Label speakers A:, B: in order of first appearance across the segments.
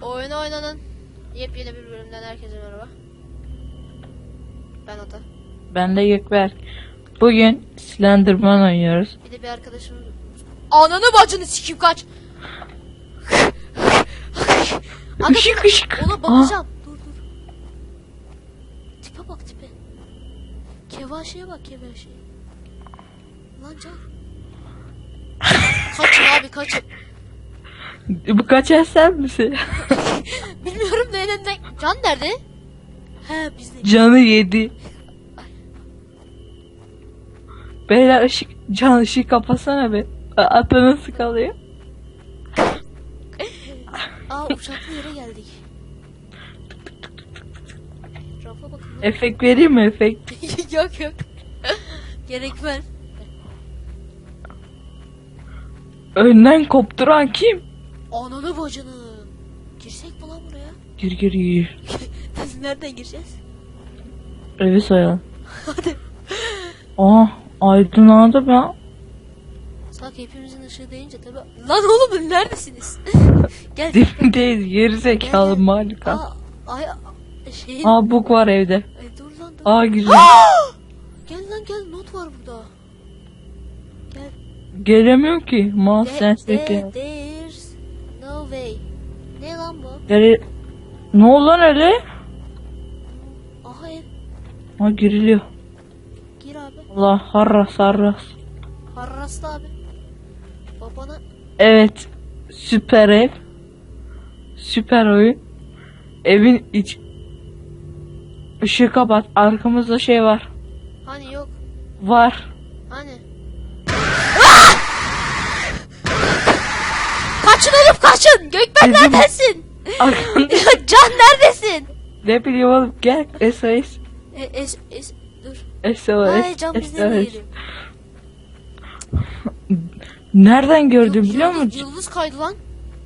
A: Oyun oynanın. Yepyeni bir bölümden herkese merhaba. Ben Ata.
B: Ben de Gökberk. Bugün Slenderman oynuyoruz.
A: Bir de bir arkadaşım. Ananı bacını sikeyim kaç.
B: Işık ışık.
A: Ona bakacağım. Dur. Tipe bak tipe. Kevaşeye bak kevaşeye. Lan can. Kaçın abi kaçın.
B: Bu kaçar sen misin?
A: Bilmiyorum da elinden. Can nerede? He bizde.
B: Canı yedi. Beyler ışığı kapatsana be. Ata nasıl kalıyor?
A: Aa uçaklı yere geldik. Rafa bakın.
B: Efekt vereyim mi efekt?
A: yok. Gerek ver.
B: Önden kopturan kim?
A: Ananı bacını. Girsek mi lan buraya?
B: Gir.
A: Biz nereden gireceğiz?
B: Evi soyalım.
A: Hadi.
B: Aydınlandı ben.
A: Sanki hepimizin ışığı deyince tabi. Lan oğlum neredesiniz? Gel.
B: Dibindeyiz gerizekalı
A: Gel.
B: malika.
A: Ay şeyin.
B: Buk var evde.
A: Dur lan.
B: Gireceğim.
A: Gel not var burada. Gel.
B: Gelemiyorum ki. Mouse sensitive.
A: There's no way. Ne lan bu?
B: Ne oldu lan öyle?
A: Aha ev.
B: Giriliyor.
A: Gir abi.
B: Allah harras.
A: Harraslı abi. Babana.
B: Evet. Süper ev. Süper oyun. Evin ışığı kapat. Arkamızda şey var.
A: Hani yok.
B: Var.
A: Hani. Kaçın oğlum kaçın. Gökben neredesin?
B: Arkanda.
A: Can neredesin?
B: Ne bileyim oğlum gel. SOS.
A: Dur.
B: SOS.
A: Ay can bizde mi geliyor?
B: Nereden gördüm biliyor musun?
A: Yıldız kaydı lan.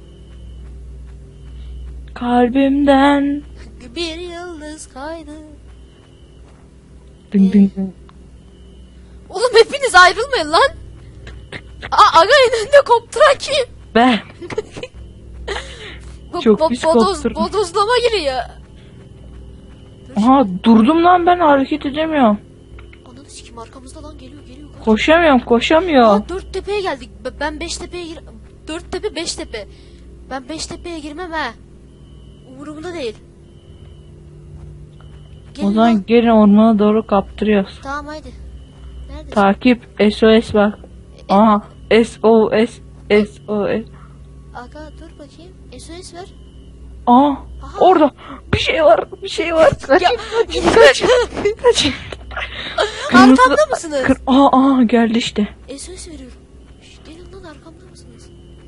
B: Kalbimden.
A: Bir yıldız kaydı.
B: Ding.
A: Oğlum hepiniz ayrılmayın lan. Aga önünde kopturan kim?
B: Ben. Çok pis kopturdum.
A: Bodozlama giriyor.
B: Durdum lan ben hareket edemiyorum.
A: Ananı sikim arkamızda lan geliyor.
B: Koşamıyorum.
A: Dört tepeye geldik. Ben beş tepeye gir. Dört tepe beş tepe. Ben beş tepeye girmem ha. Umurumda değil. Gelin
B: O zaman
A: lan.
B: gelin ormana doğru kaptırıyoruz.
A: Tamam haydi. Neredesin?
B: Takip SOS bak. SOS.
A: Aga dur bakayım. SOS ver.
B: Orada bir şey var. Kaçın.
A: Arkamda mısınız?
B: Geldi işte.
A: SOS veriyorum. Gelin lan arkamda mısınız?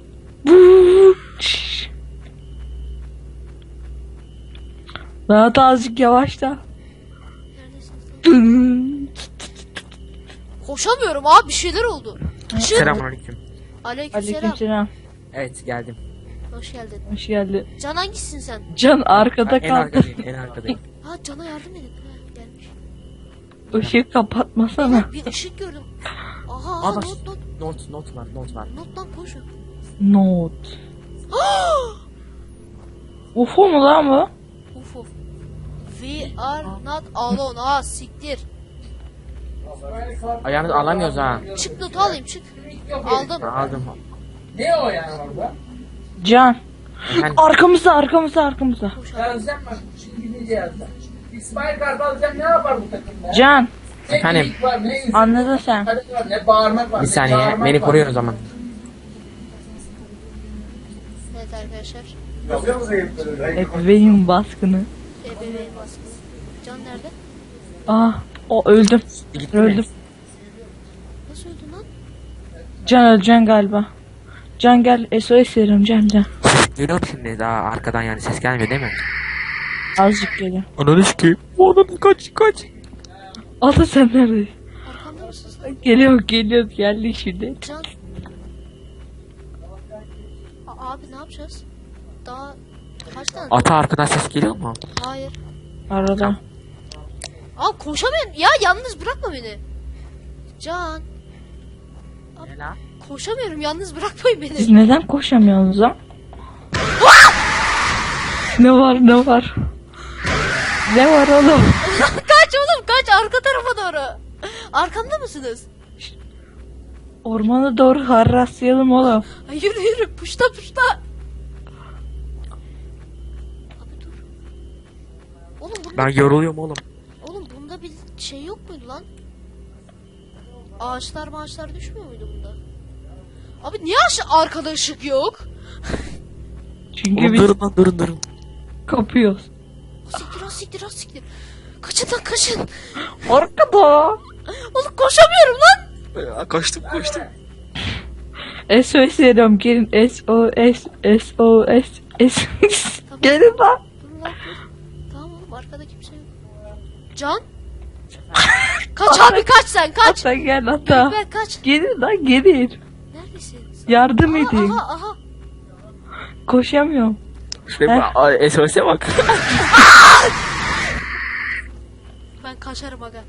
B: Daha da azıcık yavaşla.
A: Neredesiniz lan? Koşamıyorum abi bir şeyler oldu.
C: Selamünaleyküm.
A: Aleykümselam.
B: Aleykümselam.
C: Evet geldim.
A: Hoş geldin.
B: Hoş geldin.
A: Can hangisisin sen?
B: Can arkada
C: En
B: kaldı.
C: arkadayım.
A: Ha Can'a yardım edin. Ha, gelmiş.
B: Işığı kapatmasana.
A: Bir ışık gördüm. Aha
C: Aa, bak.
A: not
C: Not var.
A: Nottan koşun.
B: Not. UFO mu lan bu?
A: Uf. We are not alone. Ha siktir.
C: Ayağını alamıyoruz ha.
A: Çık notu alayım çık. Aldım.
C: Aldım.
D: Ne o yani orada?
B: Can.
C: Efendim?
B: Arkamızda.
A: Koş
D: Ya
A: abi.
D: sen bak şimdi gideceğiz. İsmail Kartal sen ne yapar bu takımda?
B: Can.
D: Ne
C: Efendim?
D: geyik var, ne üzüm
B: Anladın sen.
D: var, ne bağırmak var.
C: Bir
D: ne
C: saniye
D: çağırmak
C: beni
D: var.
C: koruyor o zaman.
A: Evet arkadaşlar.
D: Yapıyor musun ayıpları?
B: Ebeveyn baskını.
A: Ebeveyn baskısı. Can nerede?
B: Öldüm.
C: Gitti mi?
B: Öldüm.
A: Nasıl öldün lan?
B: Can öleceksin galiba. Can gel SOS veriyorum Can.
C: Duyuyorum şimdi daha arkadan yani ses gelmiyor değil mi?
B: Azıcık geliyor.
C: Ananı sikeyim. Ananı kaç.
B: Ata sen neredesin?
A: Arkamda mısın sen?
B: Geliyor geldi şimdi.
A: Can. Abi ne yapacağız? Daha kaç tane?
C: Ata arkadan ses geliyor mu?
A: Hayır.
B: Arada.
A: Abi koşamıyorum. Ya yalnız bırakma beni. Can.
C: Ne la?
A: Koşamıyorum yalnız bırakmayın beni.
B: Siz neden koşamıyorsunuz lan? Ne var ne var? Ne var oğlum?
A: Kaç oğlum kaç arka tarafa doğru. Arkamda mısınız?
B: Ormana doğru harraslayalım oğlum.
A: Ay, yürü yürü puşta puşta. Abi dur. Oğlum bunda,
C: Ben yoruluyorum oğlum.
A: oğlum bunda bir şey yok muydu lan? Ağaçlar düşmüyor muydu bunda? Abi niye arkada ışık yok?
B: Çünkü
C: Oğlum
B: biz
C: durun lan durun.
B: kapıyoruz.
A: Siktir. Kaçın lan kaçın.
B: Arkada.
A: Oğlum koşamıyorum lan.
C: Koştum.
B: SOS veriyorum gelin SOS. Gelin lan.
A: Dur lan dur. Tamam oğlum arkada kimse yok. Can? Kaç abi kaç sen kaç.
B: Hatta gel hatta.
A: Gökber kaç.
B: Gelin lan gelin.
A: Neredesin?
B: Yardım
A: Aha,
B: edin.
A: aha.
B: Koşamıyorum.
C: SOS'e bak.
A: Ben kaçarım aga.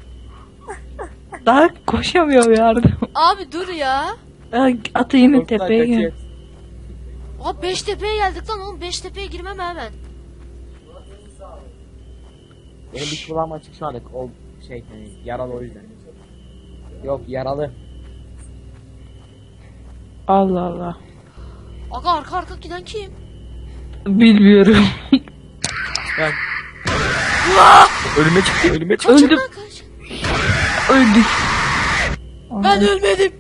B: Daha koşamıyorum yardım.
A: Abi dur ya.
B: Atı yine tepeye gel.
A: Abi Beştepe'ye geldik lan oğlum. Beştepe'ye girmem hemen.
C: Benim bir kulağım açık şu anda. O şey yani yaralı o yüzden. Yok yaralı.
B: Allah Allah.
A: Aga arka giden kim?
B: Bilmiyorum.
C: Ben. Ölüme çıktı.
A: Kaçın
B: Öldüm.
A: lan kaç.
B: Öldük.
A: Ben ölmedim.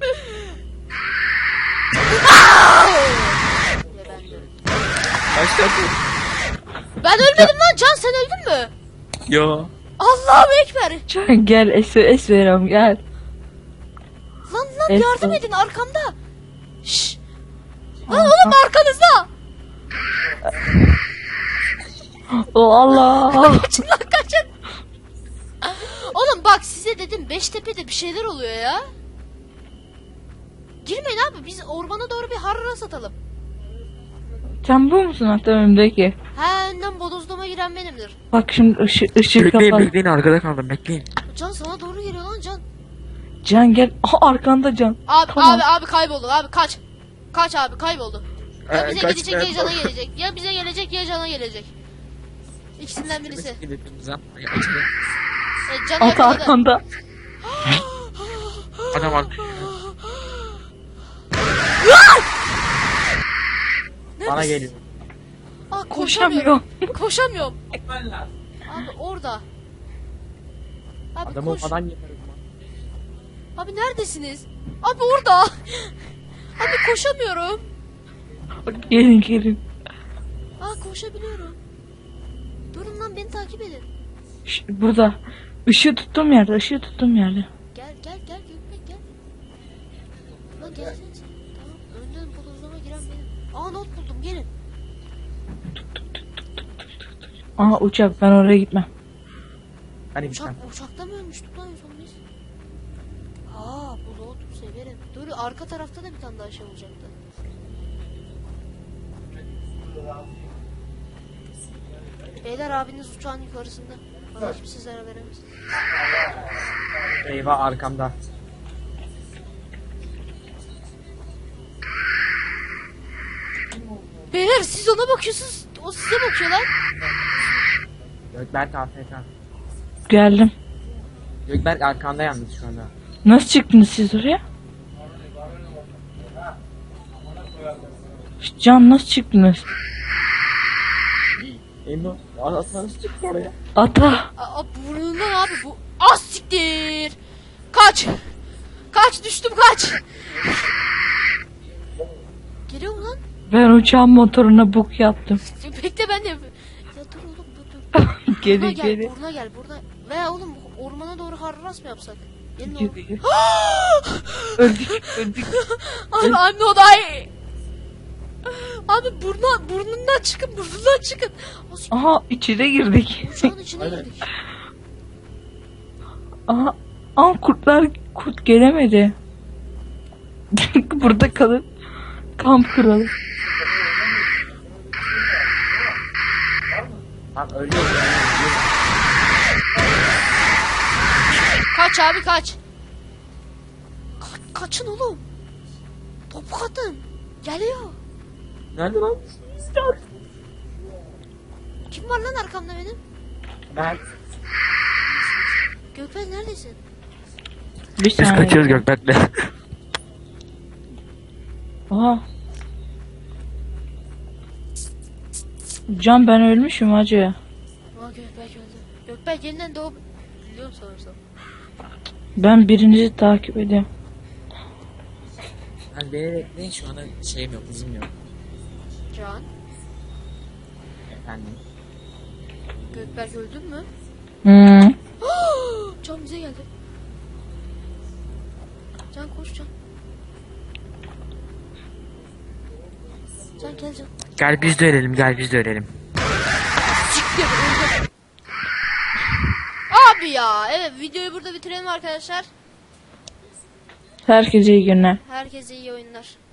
A: Ben ölmedim lan Can sen öldün mü?
C: Ya.
A: Allahu Ekber.
B: Can gel SOS veriyorum gel.
A: Lan
B: Evet,
A: yardım
B: o-
A: edin arkamda. Şşş. Lan oğlum arkanızda.
B: O Allah.
A: Kaçın lan kaçın. Oğlum bak size dedim Beştepe'de bir şeyler oluyor ya. Girmeyin abi biz ormana doğru bir harra satalım.
B: Sen bu musun hatta önümdeki?
A: Ha önden bodozlama giren benimdir.
B: Bak şimdi ışık kapalı.
C: Bekleyin arkada kaldım bekleyin.
A: Can sana doğru geliyor lan Can.
B: Can gel. Aha arkanda Can.
A: Abi
B: Tamam.
A: abi kayboldu abi kaç. Kaç abi kayboldu. Ya bize
C: Kaç
A: gidecek ya
C: ben-
A: Can'a gelecek. Ya bize gelecek ya Can'a gelecek. İkisinden birisi. Can'ı
B: At
A: yakaladı.
B: arkanda.
C: Adam var. Bana geliyor.
A: Aa,
B: Koşamıyorum.
A: Koşamıyorum.
D: Gitmen lazım.
A: Abi orada. Abi
C: Adamı
A: koş.
C: falan yaparım.
A: Abi neredesiniz? Abi orada. Abi koşamıyorum.
B: Gelin.
A: Aa koşabiliyorum. Durun lan beni takip edin.
B: Burada. Işığı tuttuğum yerde.
A: Gel Gökbek gel. Lan gelsene sen. Tamam önden bodozlama giren benim. Aa not buldum gelin.
B: Aha uçak ben oraya gitmem.
C: Hani bir tane.
A: Uçakta mı ölmüştük lan en son biz? Aa bu not severim. Dur arka tarafta da bir tane daha şey olacaktı. Beyler abiniz uçağın yukarısında. Bana kimse zarar veremez.
C: Eyvah arkamda.
A: Beyler siz ona bakıyorsunuz. O size bakıyor lan.
C: Gökberk AFK.
B: Geldim.
C: Gökberk arkanda yalnız şu anda.
B: Nasıl çıktınız siz oraya? Can nasıl çıktınız?
C: Emre aslında nasıl çıktı oraya?
B: Ata.
A: Aa burnundan abi bu. Az siktir. Kaç. Kaç düştüm kaç. Geliyor mu lan?
B: Ben uçağın motoruna buk yaptım.
A: Bekle ben de yapayım. Ya dur oğlum dur. Buruna
B: geri
A: gel,
B: geri.
A: buruna gel, buruna. Veya oğlum ormana doğru harras mı yapsak? Gelin oğlum.
B: Geri. öldük.
A: Abi I'm not I. Abi burnundan çıkın. O
B: Aha içine girdik.
A: uçağın içine girdik.
B: Aha. Kurt gelemedi. Burada kalıp kamp kuralım.
C: Lan ölüyorum.
A: Kaç abi kaç. Kaçın oğlum. Topuk atın. Geliyor.
C: Nerede lan?
A: Kim var lan arkamda benim?
C: Ben
A: Gökmen neredesin?
B: Bir
C: biz
B: saniye.
C: kaçıyoruz Gökberk'le.
B: Aha. Can ben ölmüşüm hacı.
A: Aa Gökberk öldü. Gökberk yeniden doğup... Biliyorum sanırsam.
B: Ben birinizi takip ediyorum.
C: Ben beni bekleyin şu anda şeyim yok, hızım yok.
A: Can.
C: Efendim.
A: Gökberk öldün mü?
B: Hmm.
A: Can bize geldi. Can koş Can. Can gel Can.
C: Gel biz de ölelim, gel biz de ölelim.
A: Siktir öldüm. Abi ya. Evet videoyu burada bitirelim arkadaşlar.
B: Herkese iyi günler.
A: Herkese iyi oyunlar.